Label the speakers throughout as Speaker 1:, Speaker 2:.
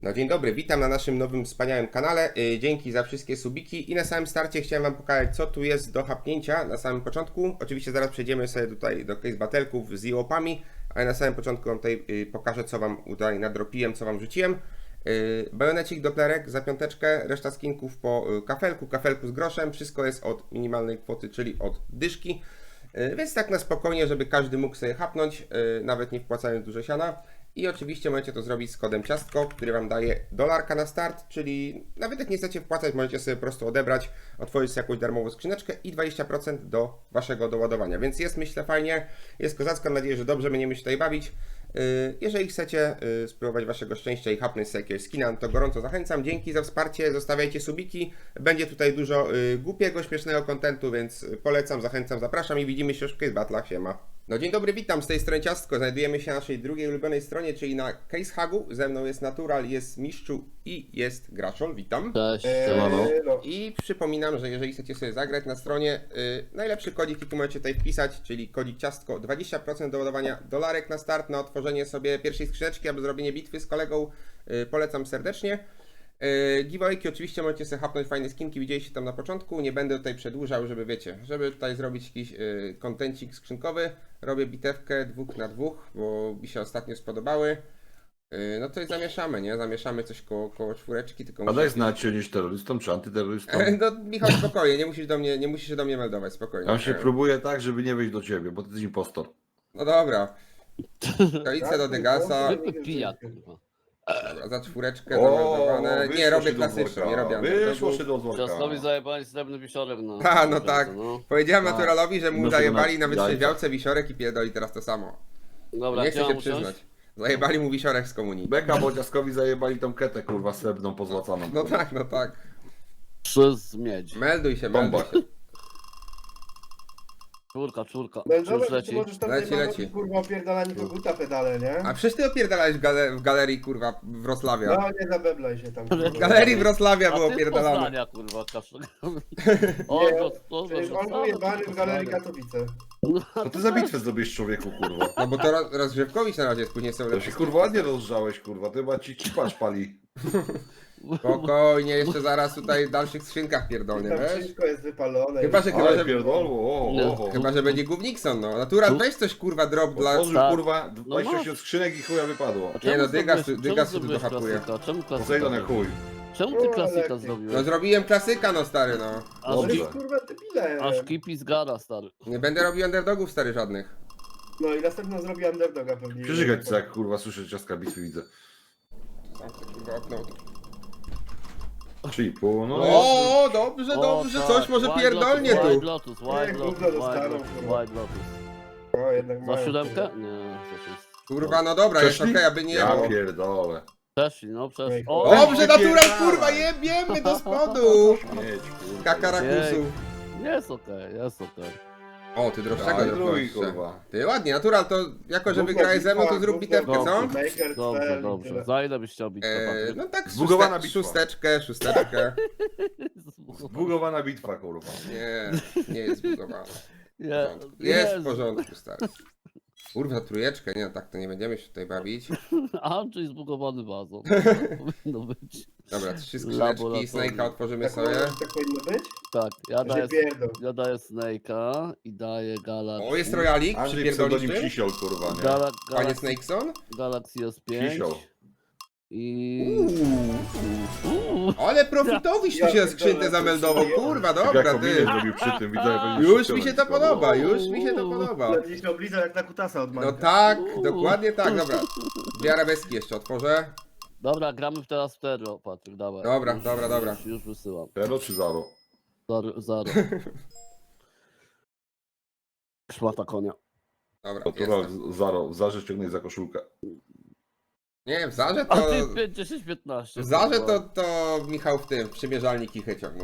Speaker 1: No dzień dobry, witam na naszym nowym wspaniałym kanale. Dzięki za wszystkie subiki i na samym starcie chciałem Wam pokazać, co tu jest do hapnięcia na samym początku. Oczywiście zaraz przejdziemy sobie tutaj do case battle'ków z IOP-ami, ale na samym początku Wam tutaj pokażę, co Wam tutaj nadropiłem, co Wam rzuciłem. Bajonecik, doplerek za piąteczkę, reszta skinków po kafelku z groszem, wszystko jest od minimalnej kwoty, czyli od dyszki. Więc tak na spokojnie, żeby każdy mógł sobie hapnąć, nawet nie wpłacając dużo siana. I oczywiście możecie to zrobić z kodem ciastko, który Wam daje $1 na start, czyli nawet jak nie chcecie wpłacać, możecie sobie po prostu odebrać, otworzyć sobie jakąś darmową skrzyneczkę i 20% do Waszego doładowania. Więc jest, myślę, fajnie, jest kozacko, mam nadzieję, że dobrze będziemy się tutaj bawić. Jeżeli chcecie spróbować Waszego szczęścia i hapnąć sobie jakiegoś skina, to gorąco zachęcam. Dzięki za wsparcie, zostawiajcie subiki. Będzie tutaj dużo głupiego, śmiesznego kontentu, więc polecam, zachęcam, zapraszam i widzimy się już w Case Battle'ach. Siema. No dzień dobry, witam z tej strony Ciastko. Znajdujemy się na naszej drugiej ulubionej stronie, czyli na Case Hugu. Ze mną jest Natural, jest Miszczu i jest Graszol. Witam.
Speaker 2: Cześć,
Speaker 1: I przypominam, że jeżeli chcecie sobie zagrać na stronie, najlepszy kodzik, jaki możecie tutaj wpisać, czyli kodzik ciastko, 20% do ładowania $1 na start, na otworzenie sobie pierwszej skrzyneczki albo zrobienie bitwy z kolegą. Polecam serdecznie. Giveawayki oczywiście możecie sobie hapnąć fajne skinki, widzieliście tam na początku. Nie będę tutaj przedłużał, żeby wiecie, żeby tutaj zrobić jakiś kontencik skrzynkowy. Robię bitewkę 2 na 2, bo mi się ostatnio spodobały. No to i zamieszamy, nie? Zamieszamy coś koło czwóreczki, tylko
Speaker 3: A daj znać, czy jesteś terrorystą, czy antyterrorystą.
Speaker 1: No Michał, spokojnie, nie musisz się do mnie meldować, spokojnie.
Speaker 3: On się próbuje tak, żeby nie wejść do ciebie, bo ty jesteś impostor.
Speaker 1: No dobra. Koalicja do Degasa.
Speaker 2: zwykły pijak, kurwa.
Speaker 1: Dobra, za czwóreczkę zameldowane. Nie, robię klasyczną, nie robię
Speaker 3: Wyszło
Speaker 1: underdogu.
Speaker 3: się do dworka.
Speaker 2: Ciastowi zajebali srebrny wisiorek, no.
Speaker 1: A, no tak.
Speaker 2: No.
Speaker 1: Powiedziałem
Speaker 3: Tak.
Speaker 1: Naturalowi, że mu
Speaker 3: No,
Speaker 1: zajebali
Speaker 3: żeby
Speaker 1: na
Speaker 3: na
Speaker 1: wytrzeźwiałce wisiorek i pierdoli teraz to samo.
Speaker 2: Dobra,
Speaker 1: Nie
Speaker 2: gdzie
Speaker 1: chcę się
Speaker 2: mam usiąść?
Speaker 1: przyznać. Zajebali mu wisiorek z komunii.
Speaker 3: Beka, bo dziaskowi zajebali tą ketę, kurwa, srebrną, pozłacaną.
Speaker 1: No tak, no tak.
Speaker 2: Przez miedź.
Speaker 1: Melduj się,
Speaker 3: Bomba.
Speaker 1: melduj się.
Speaker 2: Czwórka.
Speaker 4: No
Speaker 2: Czy już
Speaker 4: dobra, ty
Speaker 2: leci?
Speaker 4: możesz tam
Speaker 1: Leci,
Speaker 4: zajmować,
Speaker 1: leci.
Speaker 4: kurwa, opierdalanie koguta pedale, nie?
Speaker 1: A przecież ty opierdalałeś w galerii, kurwa, Wrocławia.
Speaker 4: No nie zabeblaj się tam. kurwa.
Speaker 1: W galerii Wrocławia
Speaker 2: A
Speaker 1: było
Speaker 2: ty z
Speaker 1: opierdalane.
Speaker 2: Poznania, kurwa, kaszle.
Speaker 4: Przecież on był jebany w galerii Katowice.
Speaker 3: To ty za bitwę zrobisz, człowieku, kurwa.
Speaker 1: No bo to rozgrzewkowicz na razie jest, później są
Speaker 3: To
Speaker 1: lepsze.
Speaker 3: się, kurwa, ładnie rozgrzałeś, kurwa. Ty chyba ci cipasz pali.
Speaker 1: Spokojnie, jeszcze zaraz tutaj w dalszych skrzynkach pierdolnie,
Speaker 4: Tam
Speaker 1: wiesz?
Speaker 4: wszystko jest wypalone.
Speaker 1: Chyba, że
Speaker 3: Ale pierdolło,
Speaker 1: Chyba, że będzie Gównikson, no. Natural, weź coś, kurwa, drop dla...
Speaker 3: Otworzył,
Speaker 2: Tak.
Speaker 3: kurwa,
Speaker 2: No
Speaker 3: 28 skrzynek i chuja wypadło.
Speaker 1: Nie no, Dygas się tu dohapuje.
Speaker 2: Czemu
Speaker 3: Posejdon jak
Speaker 2: klasyka?
Speaker 3: chuj.
Speaker 2: Czemu ty
Speaker 4: O,
Speaker 2: klasyka
Speaker 4: lepiej.
Speaker 2: zrobiłeś?
Speaker 1: No zrobiłem klasyka, no stary, no.
Speaker 2: Aż,
Speaker 4: Ale
Speaker 3: Dobrze.
Speaker 2: ki-
Speaker 4: kurwa debile.
Speaker 2: aż kipi zgada, stary.
Speaker 1: Nie będę robił underdogów, stary, żadnych.
Speaker 4: No i następną zrobi underdoga pewnie.
Speaker 3: Przyżygać co, jak kurwa słyszę ciastka bitwy widzę.
Speaker 1: Zamknę, kurwa, okno.
Speaker 3: 3,5, no.
Speaker 1: O, dobrze,
Speaker 2: O,
Speaker 1: dobrze,
Speaker 2: tak.
Speaker 1: coś może
Speaker 2: White
Speaker 1: pierdolnie
Speaker 2: Lotus,
Speaker 1: tu.
Speaker 2: White Lotus, White
Speaker 4: gówno
Speaker 2: Lotus,
Speaker 4: dostaną,
Speaker 2: White Lotus,
Speaker 4: kurwa.
Speaker 2: White Lotus.
Speaker 4: O, jednak
Speaker 2: Za
Speaker 4: mają,
Speaker 2: siódemkę?
Speaker 4: kurwa.
Speaker 2: Nie, to jest...
Speaker 1: Kurwa, no dobra, jest
Speaker 3: Przeszli?
Speaker 1: okej, aby nie
Speaker 3: Ja
Speaker 1: było.
Speaker 3: pierdolę.
Speaker 2: Przeszli, no przeszli.
Speaker 4: Ej,
Speaker 2: O,
Speaker 1: Dobrze, natural,
Speaker 3: wypierdalaj.
Speaker 1: kurwa, jebiemy do spodu.
Speaker 3: Mieć, kurwa.
Speaker 1: Kakarakusu.
Speaker 2: jest okej, jest okej.
Speaker 1: O, ty droższego
Speaker 3: Daj
Speaker 1: dropnąłeś
Speaker 3: drugi,
Speaker 1: jeszcze.
Speaker 3: kurwa.
Speaker 1: Ty ładnie, natural, to jako, że
Speaker 4: Gówno
Speaker 1: wygrałeś ze mną, to
Speaker 4: bitwa,
Speaker 1: zrób
Speaker 4: gówno
Speaker 1: bitewkę, co?
Speaker 2: bitwa.
Speaker 4: Maker,
Speaker 2: Dobrze,
Speaker 4: cel i
Speaker 2: dobrze.
Speaker 4: tyle.
Speaker 2: Za ile byś chciał bitwę, Patryk?
Speaker 1: No tak,
Speaker 3: Zbugowana bitwa.
Speaker 1: szósteczkę.
Speaker 3: Zbugowana bitwa, kurwa.
Speaker 1: Nie, nie jest zbugowana.
Speaker 2: Nie,
Speaker 1: Jest w porządku, stary. Kurwa, trójeczkę, nie, no tak to nie będziemy się tutaj bawić.
Speaker 2: Andrzej zbugowany bazą. Powinno być.
Speaker 1: Dobra, 3 skrzyneczki,
Speaker 2: Laboratorium.
Speaker 1: Snake'a otworzymy
Speaker 4: Tak,
Speaker 1: sobie.
Speaker 4: tak powinno być?
Speaker 2: Tak,
Speaker 4: Że pierdol.
Speaker 2: ja daję Snake'a i daję Galaxy.
Speaker 1: O, jest Royalik,
Speaker 3: Andrzej
Speaker 1: przypierdolisz
Speaker 3: pseudonim
Speaker 1: tym?
Speaker 3: Cisiol, kurwa, nie?
Speaker 2: Gala,
Speaker 1: Panie
Speaker 2: Galaxy,
Speaker 1: Snakeson?
Speaker 2: Galaxy S5.
Speaker 3: Cisiol.
Speaker 2: I...
Speaker 1: Ale profitowiś tu
Speaker 4: Ja
Speaker 1: się skrzynkę
Speaker 4: pierdolę,
Speaker 1: zameldował,
Speaker 4: to
Speaker 1: kurwa,
Speaker 3: Tak
Speaker 1: dobra,
Speaker 3: jak
Speaker 1: ty.
Speaker 3: kombinę zrobił przy tym, widzowie,
Speaker 1: Już mi się to podoba, już mi się to podoba.
Speaker 4: Będziesz się oblizał jak na kutasa od
Speaker 1: No
Speaker 4: Manka.
Speaker 1: tak, dokładnie tak, dobra. Dwie arabeski jeszcze otworzę.
Speaker 2: Dobra, gramy teraz w Terro, Patryk, dawaj.
Speaker 1: Dobra,
Speaker 2: Już-
Speaker 1: dobra, dobra.
Speaker 2: Już wysyłam.
Speaker 3: Pero czy zaro?
Speaker 2: Zaro. Szmata konia.
Speaker 1: Dobra,
Speaker 3: To
Speaker 1: jestem.
Speaker 3: zaro, w zarze ściągnij za koszulkę.
Speaker 1: Nie, w Zarze
Speaker 2: A
Speaker 1: to...
Speaker 2: ty 5, 10, 15.
Speaker 1: W Zarze to Michał w tym, w przymierzalni kichy ciągnął.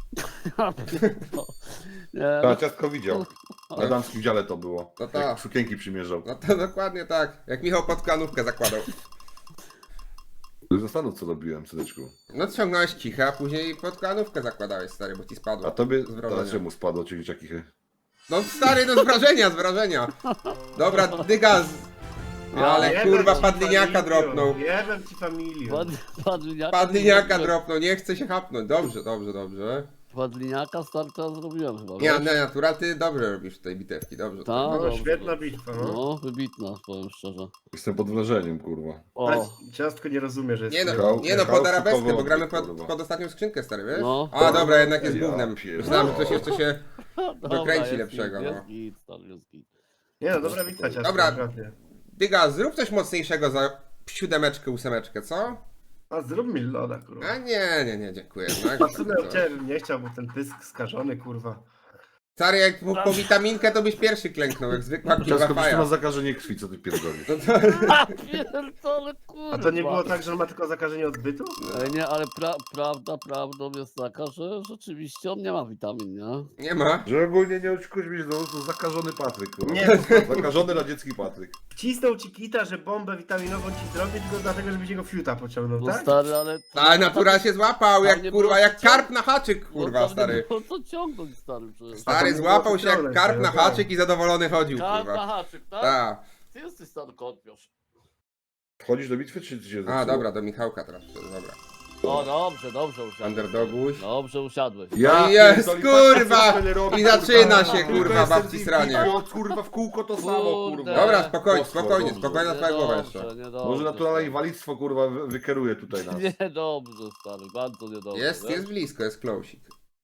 Speaker 2: Nie,
Speaker 3: Ta ciastko widział. Na damskim dziale to było.
Speaker 1: No tak.
Speaker 3: Jak sukienki przymierzał.
Speaker 1: No to dokładnie tak, jak Michał pod klanówkę zakładał.
Speaker 3: Zastanów co robiłem, syneczku.
Speaker 1: No ciągnąłeś kichę, a później pod klanówkę zakładałeś, stary, bo ci spadło.
Speaker 3: A tobie,
Speaker 1: Z wrażenia.
Speaker 3: a czemu spadło ci dzieciaki?
Speaker 1: No stary, no z wrażenia, z wrażenia. Dobra, Dygas, Ale
Speaker 4: Jebem
Speaker 1: kurwa
Speaker 4: ci
Speaker 1: padliniaka
Speaker 4: familią,
Speaker 1: dropnął.
Speaker 4: Jebem ci familią.
Speaker 1: Padliniaka dropnął, nie chce się hapnąć. Dobrze, dobrze, dobrze.
Speaker 2: Padliniaka starta zrobiłem chyba.
Speaker 1: Nie,
Speaker 2: wiesz?
Speaker 1: nie, natura, ty dobrze robisz tej bitewki, dobrze.
Speaker 2: Ta,
Speaker 4: No,
Speaker 2: dobrze,
Speaker 4: świetna
Speaker 2: dobrze.
Speaker 4: bitwa, no.
Speaker 2: No, wybitna, powiem szczerze.
Speaker 3: Jestem pod wrażeniem, kurwa.
Speaker 2: O,
Speaker 4: Ciastko nie rozumie, że jest...
Speaker 1: Nie no,
Speaker 3: Michał-
Speaker 1: nie no,
Speaker 3: Michał
Speaker 1: pod arabeskę,
Speaker 3: szykowy
Speaker 1: bo gramy
Speaker 3: odbyt,
Speaker 1: pod,
Speaker 3: kurwa.
Speaker 1: pod ostatnią skrzynkę, stary, wiesz?
Speaker 2: No.
Speaker 1: A, dobra, jednak jest
Speaker 3: Ja
Speaker 1: gównem.
Speaker 3: pierdolę.
Speaker 1: Myślałem, że coś jeszcze się...
Speaker 2: dobra,
Speaker 1: dokręci
Speaker 2: jest
Speaker 1: lepszego,
Speaker 2: git,
Speaker 1: no.
Speaker 2: Jest git, stary, jest git.
Speaker 4: Nie no, dobra bitwa ciastko.
Speaker 1: Dobra.
Speaker 4: naprawdę.
Speaker 1: Dyga, zrób coś mocniejszego za 7, 8, co?
Speaker 4: A zrób mi loda, kurwa.
Speaker 1: A nie, dziękuję.
Speaker 4: A w sumie od ciebie bym nie chciał, bo ten pysk skażony, kurwa.
Speaker 1: Stary, jak po witaminkę, to byś pierwszy klęknął, jak zwykła
Speaker 3: Ciasko,
Speaker 1: kurwa
Speaker 3: przecież ma
Speaker 1: faja.
Speaker 3: zakażenie krwi, co ty pierdolisz?
Speaker 2: A pierdolę, kurwa.
Speaker 4: A to nie było tak, że on ma tylko zakażenie odbytu?
Speaker 2: Nie, ale prawdą jest taka, że rzeczywiście on nie ma witamin, nie?
Speaker 1: Nie ma.
Speaker 3: Że ogólnie nie oczekuś mi, to zakażony Patryk, kurwa.
Speaker 4: Nie.
Speaker 3: Zakażony radziecki Patryk.
Speaker 4: Wcisnął ci kita, że bombę witaminową ci zrobi, tylko dlatego, żebyś jego fiuta pociągnął,
Speaker 2: No
Speaker 4: tak?
Speaker 2: stary, ale...
Speaker 1: A natura się złapał,
Speaker 2: Tam
Speaker 1: jak
Speaker 2: nie
Speaker 1: kurwa,
Speaker 2: było
Speaker 1: jak
Speaker 2: co-
Speaker 1: karp na haczyk,
Speaker 2: No,
Speaker 1: kurwa,
Speaker 2: tam
Speaker 1: stary.
Speaker 2: Nie było co ciągnąć, stary, przecież.
Speaker 4: A to
Speaker 1: Stary
Speaker 4: nie
Speaker 1: złapał
Speaker 4: było
Speaker 1: się jak
Speaker 4: ciągnąć,
Speaker 1: karp
Speaker 4: no
Speaker 1: na
Speaker 4: tak.
Speaker 1: haczyk i zadowolony chodził,
Speaker 2: Karp na
Speaker 1: kurwa.
Speaker 2: haczyk, tak?
Speaker 1: Tak.
Speaker 2: Ty jesteś stary kotwiosz.
Speaker 3: Wchodzisz do bitwy, czy ty się
Speaker 1: A,
Speaker 3: zepsuło?
Speaker 1: dobra, do Michałka teraz, dobra.
Speaker 2: O, dobrze usiadłeś.
Speaker 1: Underdoguś.
Speaker 2: Dobrze usiadłeś.
Speaker 3: Ja
Speaker 1: Jest,
Speaker 3: pierdolę,
Speaker 1: kurwa!
Speaker 3: patrz, co tyle robi,
Speaker 1: I zaczyna
Speaker 3: kurwa.
Speaker 1: się,
Speaker 3: Tylko
Speaker 1: kurwa,
Speaker 3: jestem
Speaker 1: babci
Speaker 3: z
Speaker 1: sranie.
Speaker 3: bitwy, Kurwa, w kółko to samo,
Speaker 2: Kurde.
Speaker 3: kurwa.
Speaker 1: Dobra, spokojnie,
Speaker 3: Poszło,
Speaker 1: spokojnie,
Speaker 3: dobrze.
Speaker 1: spokojnie na twoją głowę jeszcze.
Speaker 2: Niedobrze.
Speaker 3: Może naturalne inwalidztwo, kurwa, wykieruje tutaj nas.
Speaker 2: Niedobrze, stary, bardzo niedobrze.
Speaker 1: Jest
Speaker 2: wiesz?
Speaker 1: blisko, jest closik.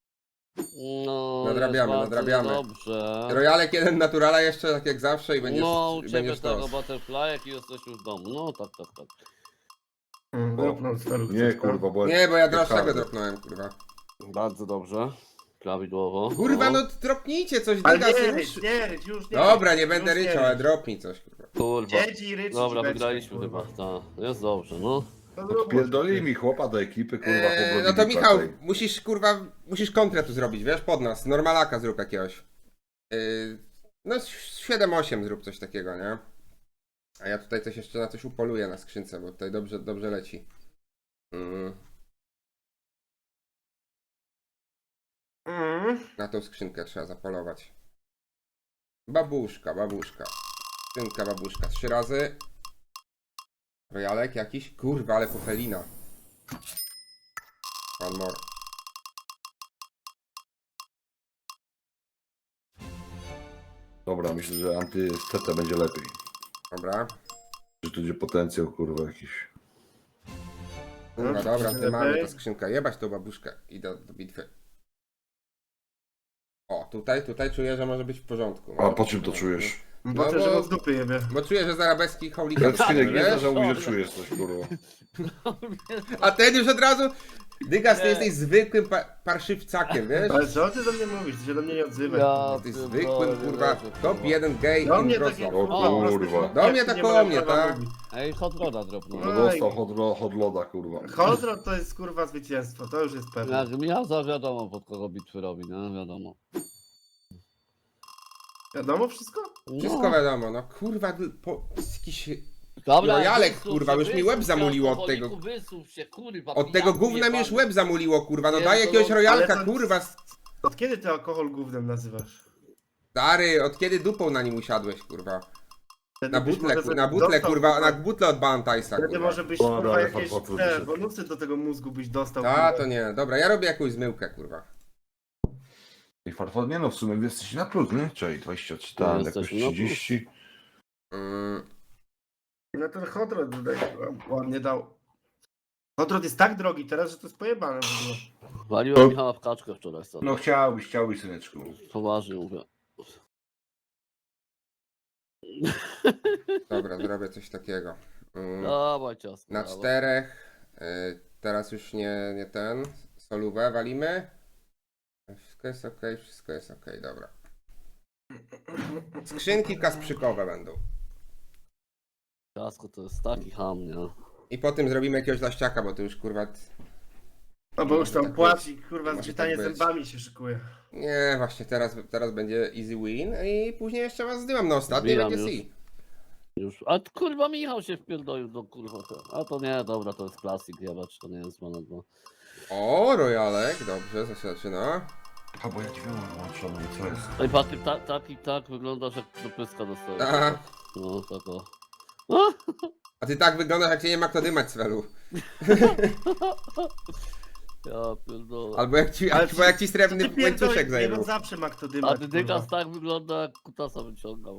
Speaker 2: No,
Speaker 1: Nadrabiamy,
Speaker 2: jest bardzo
Speaker 1: nadrabiamy.
Speaker 2: Dobrze.
Speaker 1: Rojalek jeden naturala jeszcze, tak jak zawsze i będziesz,
Speaker 2: No, u ciebie
Speaker 1: będziesz
Speaker 2: tego
Speaker 1: to.
Speaker 2: butterfly, jak jesteś już w domu. No, tak.
Speaker 4: Dropnął starów.
Speaker 3: Nie, kurwa, bo...
Speaker 1: Nie, bo ja droższego
Speaker 3: hardy.
Speaker 1: dropnąłem, kurwa.
Speaker 2: Bardzo dobrze. Prawidłowo.
Speaker 1: Kurwa, no dropnijcie coś,
Speaker 4: Ale
Speaker 1: dyga,
Speaker 4: nie
Speaker 1: rusz.
Speaker 4: rycz, nie rycz, już nie
Speaker 1: Dobra,
Speaker 4: rycz,
Speaker 1: nie będę
Speaker 4: już
Speaker 1: ryczał, ale dropnij coś, kurwa.
Speaker 2: Kurwa.
Speaker 4: Dzieci rycz.
Speaker 2: Dobra, wygraliśmy chyba. Tak, jest dobrze, no.
Speaker 3: Pierdolili mi chłopa do ekipy, kurwa,
Speaker 1: No to
Speaker 3: pobrobili
Speaker 1: Michał,
Speaker 3: patej.
Speaker 1: musisz, kurwa, musisz konkretu zrobić, wiesz, pod nas. Normalaka zrób jakiegoś. No 7-8 zrób coś takiego, nie? A ja tutaj coś jeszcze na coś upoluję na skrzynce, bo tutaj dobrze leci. Na tą skrzynkę trzeba zapolować. Babuszka. Skrzynka babuszka. 3 razy. Rojalek jakiś? Kurwa, ale pofelina. One more.
Speaker 3: Dobra, myślę, że anty-steta będzie lepiej.
Speaker 1: Dobra.
Speaker 3: Że tu będzie potencjał, kurwa, jakiś.
Speaker 1: Kurwa, dobra,
Speaker 4: Lepiej.
Speaker 1: mamy ta skrzynka. Jebać tą babuszkę. Idę do bitwy. O, tutaj czuję, że może być w porządku.
Speaker 3: A po czym to czujesz?
Speaker 4: Bo
Speaker 1: No
Speaker 4: że
Speaker 1: bo-
Speaker 4: go z dupy jebie.
Speaker 1: Bo czuję, że z arabeski hołika
Speaker 3: Jak Skynek nie
Speaker 1: wiesz?
Speaker 3: zażałuj, że czujesz coś, kurwa.
Speaker 1: A ten już od razu... Dygas, ty
Speaker 2: Nie.
Speaker 1: jesteś zwykłym parszywcakiem, wiesz?
Speaker 4: Ale co ty do mnie mówisz? Ty się do mnie nie odzywaj.
Speaker 1: Jesteś zwykłym, kurwa, top 1 gay
Speaker 4: Do
Speaker 1: in
Speaker 4: mnie
Speaker 1: Wrocław.
Speaker 4: takie
Speaker 3: O kurwa.
Speaker 1: Do mnie tak koło mnie, tak?
Speaker 2: Ej, hot roda dropnął.
Speaker 3: No dostał hot loda, kurwa.
Speaker 4: Hodro to jest kurwa zwycięstwo, to już jest pewne.
Speaker 2: Jak Michał, to wiadomo pod kogo bitwy robi, nie? Wiadomo.
Speaker 4: Wiadomo wszystko?
Speaker 1: Wszystko wiadomo, no kurwa, jakiś...
Speaker 2: Dobra,
Speaker 1: Rojalek,
Speaker 2: wysuw
Speaker 1: kurwa,
Speaker 2: się,
Speaker 1: już mi
Speaker 2: wysuw
Speaker 1: łeb
Speaker 2: się,
Speaker 1: zamuliło od
Speaker 2: alkoholiku,
Speaker 1: tego.
Speaker 2: Wysuw się, kurwa,
Speaker 1: Od tego
Speaker 2: pijaku
Speaker 1: gówna mi już
Speaker 2: jebany.
Speaker 1: łeb zamuliło, kurwa, no
Speaker 2: Nie,
Speaker 1: daj
Speaker 2: to
Speaker 1: jakiegoś
Speaker 2: no,
Speaker 1: rojalka,
Speaker 4: ale to-
Speaker 1: kurwa.
Speaker 4: Od kiedy ty alkohol gównem nazywasz?
Speaker 1: Stary, od kiedy dupą na nim usiadłeś, kurwa?
Speaker 4: Wtedy
Speaker 1: Na
Speaker 4: byś
Speaker 1: butle,
Speaker 4: może
Speaker 1: na butle,
Speaker 4: dostał,
Speaker 1: kurwa, na butle od Bantajsa,
Speaker 4: Wtedy
Speaker 1: kurwa.
Speaker 4: może byś
Speaker 3: Dobra,
Speaker 4: kurwa
Speaker 3: ale
Speaker 4: jakieś
Speaker 3: farfotru
Speaker 4: te
Speaker 3: wyszedł.
Speaker 4: bonusy do tego mózgu byś dostał.
Speaker 1: A,
Speaker 4: kurwa.
Speaker 1: to nie, dobra, ja robię jakąś zmyłkę, kurwa.
Speaker 3: I farfot, nie no, w sumie wy jesteście na plus, nie? Czyli 23, tam jakoś
Speaker 2: jesteśmy na plus.
Speaker 3: 30.
Speaker 4: No ten Hodrod tutaj ładnie dał. Hodrod jest tak drogi teraz, że to jest pojebane w ogóle.
Speaker 2: Waliłem Michała w kaczkę wczoraj, stary.
Speaker 3: No chciałbyś, syneczku.
Speaker 2: Poważnie mówię.
Speaker 1: Dobra, zrobię coś takiego.
Speaker 2: Dawaj ciasto.
Speaker 1: Na
Speaker 2: dawaj.
Speaker 1: 4. Teraz już nie ten. Solówę walimy. Wszystko jest ok, dobra. Skrzynki kasprzykowe będą.
Speaker 2: Ciasko to jest taki ham, nie?
Speaker 1: I potem zrobimy jakiegoś laściaka, bo to już kurwa...
Speaker 4: No bo już
Speaker 1: Może
Speaker 4: tam
Speaker 1: tak
Speaker 4: płaci, kurwa,
Speaker 1: Może
Speaker 4: zgrzytanie
Speaker 1: tak być.
Speaker 4: zębami się szykuje.
Speaker 1: Nie, właśnie teraz będzie easy win i później jeszcze was zdymam na ostatni
Speaker 2: Zbijam
Speaker 1: będzie
Speaker 2: już.
Speaker 1: C.
Speaker 2: Już. A kurwa Michał się wpierdolił do kurwa. A to nie, dobra, to jest klasik, jebacz, to nie jest mana 2.
Speaker 1: O, Rojalek, dobrze, zaczyna.
Speaker 3: A bo ja dźwięk mam włączony, co jest?
Speaker 2: Ej Patryk, tak wyglądasz jak do pyska dostałeś.
Speaker 1: Aha.
Speaker 2: No, tak o.
Speaker 1: A ty tak wyglądasz, jak cię nie ma kto dymać, Svelu.
Speaker 2: Ja pierdolę.
Speaker 1: Albo jak ci srebrny łańcuszek zajmą.
Speaker 4: No zawsze ma kto
Speaker 2: A
Speaker 4: dymać,
Speaker 2: Dydykas
Speaker 4: kurwa.
Speaker 2: tak wygląda, jak kutasa wyciąga.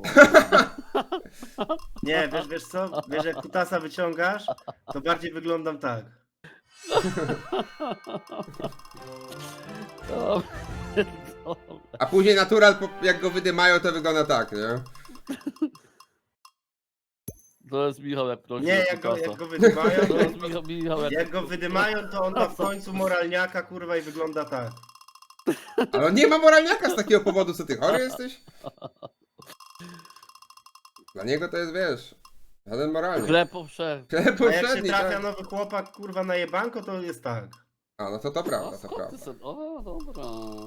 Speaker 4: Nie, wiesz co? Wiesz, jak kutasa wyciągasz, to bardziej wyglądam tak.
Speaker 2: Ja pierdolę.
Speaker 1: A później natural, jak go wydymają, to wygląda tak, nie?
Speaker 2: To jest Michał, jak prosi.
Speaker 4: Nie,
Speaker 2: o
Speaker 4: jak
Speaker 2: kutasa.
Speaker 4: go wydymają,
Speaker 2: To jest Michał, jak...
Speaker 4: jak go wydymają, to on ma w końcu moralniaka, kurwa, i wygląda tak.
Speaker 1: Ale on nie ma moralniaka z takiego powodu, co ty chory jesteś? Dla niego to jest, wiesz, żaden moralny.
Speaker 2: Chleb powszechny.
Speaker 1: Chleb
Speaker 4: A jak się
Speaker 1: powszedni,
Speaker 4: trafia
Speaker 1: tak.
Speaker 4: nowy chłopak, kurwa, na jebanko, to jest tak.
Speaker 1: A, no to prawda,
Speaker 2: A
Speaker 1: to
Speaker 2: skąd
Speaker 1: prawda.
Speaker 2: ty sobie... O, dobra.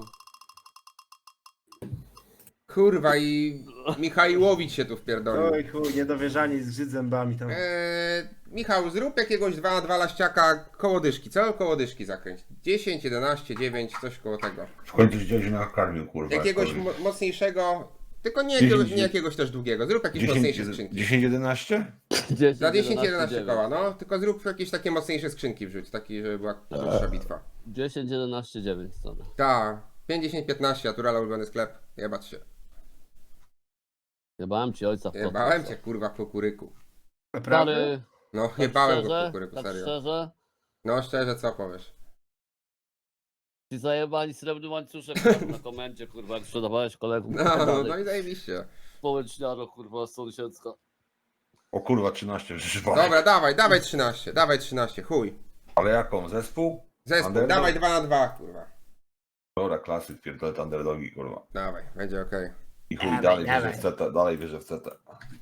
Speaker 1: Kurwa i Michaiłowicz się tu wpierdolił.
Speaker 4: Oj chuj, niedowierzanie z grzyd zębami tam.
Speaker 1: Michał, zrób jakiegoś 2 na 2 laściaka koło dyszki. Co koło dyszki zakręć? 10, 11, 9, coś koło tego.
Speaker 3: W końcu się gdzieś nakarmił, kurwa.
Speaker 1: Jakiegoś
Speaker 3: jak
Speaker 1: mocniejszego, tylko nie
Speaker 3: 10,
Speaker 1: jakiegoś, nie jakiegoś też długiego. Zrób jakieś mocniejsze skrzynki.
Speaker 3: 10-11?
Speaker 2: 10,
Speaker 1: Za 10, 11
Speaker 2: 9.
Speaker 1: koła, no. Tylko zrób jakieś takie mocniejsze skrzynki wrzuć, taki, żeby była dłuższa bitwa.
Speaker 2: 10, 11, 9 stronę.
Speaker 1: Tak, 50, 15, naturala ulubiony sklep. Jebać się.
Speaker 2: Jebałem ci ojca w
Speaker 1: Jebałem
Speaker 2: kotwę.
Speaker 1: cię kurwa w kukuryku.
Speaker 4: Naprawdę?
Speaker 2: Stary,
Speaker 1: No,
Speaker 2: tak
Speaker 1: jebałem go w
Speaker 2: szczerze,
Speaker 1: kukuryku,
Speaker 2: tak
Speaker 1: serio.
Speaker 2: szczerze,
Speaker 1: No szczerze, co powiesz?
Speaker 2: ci zajebali srebrny łańcuszek tam na komendzie, kurwa, jak sprzedawałeś kolegom.
Speaker 1: No i zajebiście.
Speaker 2: Społeczniaro, kurwa, sąsiedzka.
Speaker 3: O kurwa, 13 przyszło.
Speaker 1: Dobra, dawaj 13, chuj.
Speaker 3: Ale jaką? Zespół?
Speaker 1: Zespół,
Speaker 3: Underdog?
Speaker 1: dawaj 2 na 2, kurwa.
Speaker 3: Dobra, klasyk, pierdolę underdogi, kurwa.
Speaker 1: Dawaj, będzie okej.
Speaker 3: I chuj,
Speaker 4: Dawaj,
Speaker 3: dalej
Speaker 4: dawaj.
Speaker 3: wierzę w CT, dalej wierzę w CT.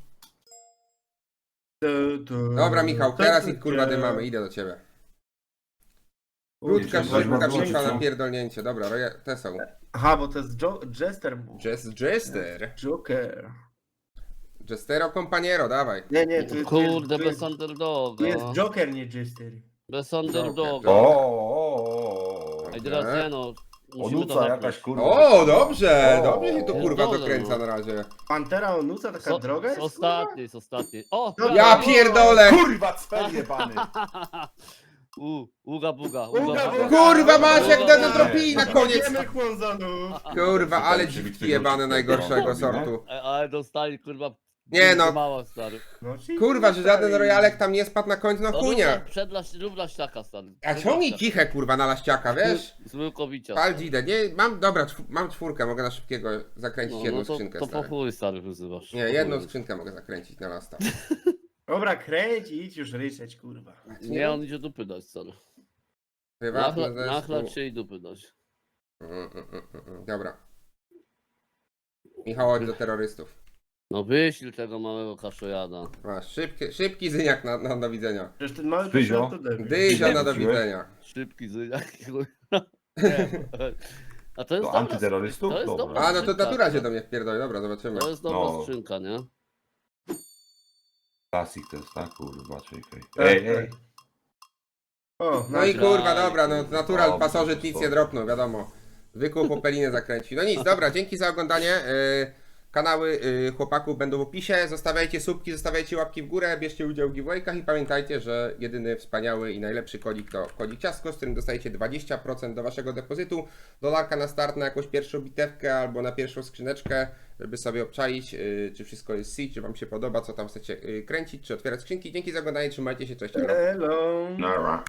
Speaker 1: Dobra Michał, teraz ich kurwa dymamy, idę do ciebie. Krótka
Speaker 3: Jeśli coś
Speaker 1: szybka
Speaker 3: ma
Speaker 1: bitwa
Speaker 3: wrócić,
Speaker 1: na
Speaker 3: co?
Speaker 1: pierdolnięcie, dobra, te są.
Speaker 4: Aha, bo to jest Jester.
Speaker 1: Jester.
Speaker 4: Joker.
Speaker 1: Jestero Companiero, dawaj.
Speaker 4: Nie, tu jest,
Speaker 2: Kurde,
Speaker 4: tu
Speaker 2: bez
Speaker 4: jest,
Speaker 2: underdoga.
Speaker 4: tu jest Joker, nie Jester.
Speaker 2: Bez underdoga.
Speaker 3: O.
Speaker 2: Ej, teraz nie no. Musimy to
Speaker 3: Onuca
Speaker 2: hapnąć.
Speaker 3: jakaś, kurwa.
Speaker 1: O, dobrze,
Speaker 3: O,
Speaker 1: dobrze się tu kurwa
Speaker 2: pierdolę,
Speaker 1: dokręca
Speaker 2: no.
Speaker 1: na razie.
Speaker 4: Pantera Onuca, taka droga jest?
Speaker 2: Z ostatniej, z ostatniej. O!
Speaker 4: No,
Speaker 1: Ja pierdolę!
Speaker 3: Kurwa, cpel jebany!
Speaker 2: Uga buga,
Speaker 4: Uga
Speaker 2: uga
Speaker 4: buga.
Speaker 2: buga.
Speaker 1: Kurwa masz jak
Speaker 2: Dobra.
Speaker 1: dodropili na koniec.
Speaker 4: Wiemy chłonzanów.
Speaker 1: Kurwa, ale
Speaker 3: Czytałem,
Speaker 1: dziwki
Speaker 3: że
Speaker 1: jebane najgorszego
Speaker 3: robi, no.
Speaker 1: sortu.
Speaker 2: Ale dostali kurwa.
Speaker 1: Nie no.
Speaker 2: Mała stary.
Speaker 4: No, czyli
Speaker 1: Kurwa, że żaden
Speaker 4: dostali.
Speaker 1: rojalek tam nie spadł na końcu, no chujnia.
Speaker 2: Rób laściaka stary.
Speaker 1: A ciągnij kichę kurwa na laściaka, wiesz?
Speaker 2: Z łykowicia.
Speaker 1: Pal dzidę, nie, dobra, mam czwórkę, mogę na szybkiego zakręcić jedną skrzynkę,
Speaker 2: to po
Speaker 1: stary.
Speaker 2: chuj stary wyzywasz.
Speaker 1: Nie, jedną skrzynkę mogę zakręcić na lasta.
Speaker 4: Dobra, kręć i idź już ryczeć, kurwa.
Speaker 2: Nie, on idzie dupy dać stary.
Speaker 1: Prywatny zespół.
Speaker 2: Nachlać się i dupy dać.
Speaker 1: Dobra. Michał, chodź do terrorystów.
Speaker 2: No wyślij tego małego kaszojada.
Speaker 1: Masz, szybki zyniak na do widzenia.
Speaker 4: Przecież ten mały
Speaker 3: Dyzio.
Speaker 4: koszmar to debil.
Speaker 1: Dyzio na do
Speaker 3: wróciłeś?
Speaker 1: widzenia.
Speaker 2: Szybki zyniak. Nie. A to jest
Speaker 3: Do
Speaker 2: dobra
Speaker 3: antyterrorystów?
Speaker 2: to jest
Speaker 3: Dobra.
Speaker 2: dobra
Speaker 1: A, no to
Speaker 2: skrzynka.
Speaker 1: natura się do mnie wpierdoli, dobra, zobaczymy.
Speaker 2: To jest dobra
Speaker 3: No.
Speaker 2: skrzynka, nie?
Speaker 3: Klasik to jest, tak? Kurwa, czekaj.
Speaker 4: Tak,
Speaker 3: Ej.
Speaker 4: O,
Speaker 1: No i
Speaker 2: Dobra.
Speaker 1: kurwa, dobra, no natural
Speaker 3: Dobrze,
Speaker 1: pasożyt nic
Speaker 3: to-
Speaker 1: nie dropnął, wiadomo. Zwykłą popelinę zakręci. No nic, dobra, dzięki za oglądanie. Kanały chłopaków będą w opisie. Zostawiajcie subki, zostawiajcie łapki w górę, bierzcie udział w giveawaykach i pamiętajcie, że jedyny wspaniały i najlepszy kodzik to kodzik ciastko, z którym dostajecie 20% do waszego depozytu. Dolarka na start na jakąś pierwszą bitewkę albo na pierwszą skrzyneczkę, żeby sobie obczaić, czy wszystko jest C, czy wam się podoba, co tam chcecie kręcić, czy otwierać skrzynki. Dzięki za oglądanie, trzymajcie się, cześć. elo.
Speaker 4: Hello.
Speaker 3: Nara.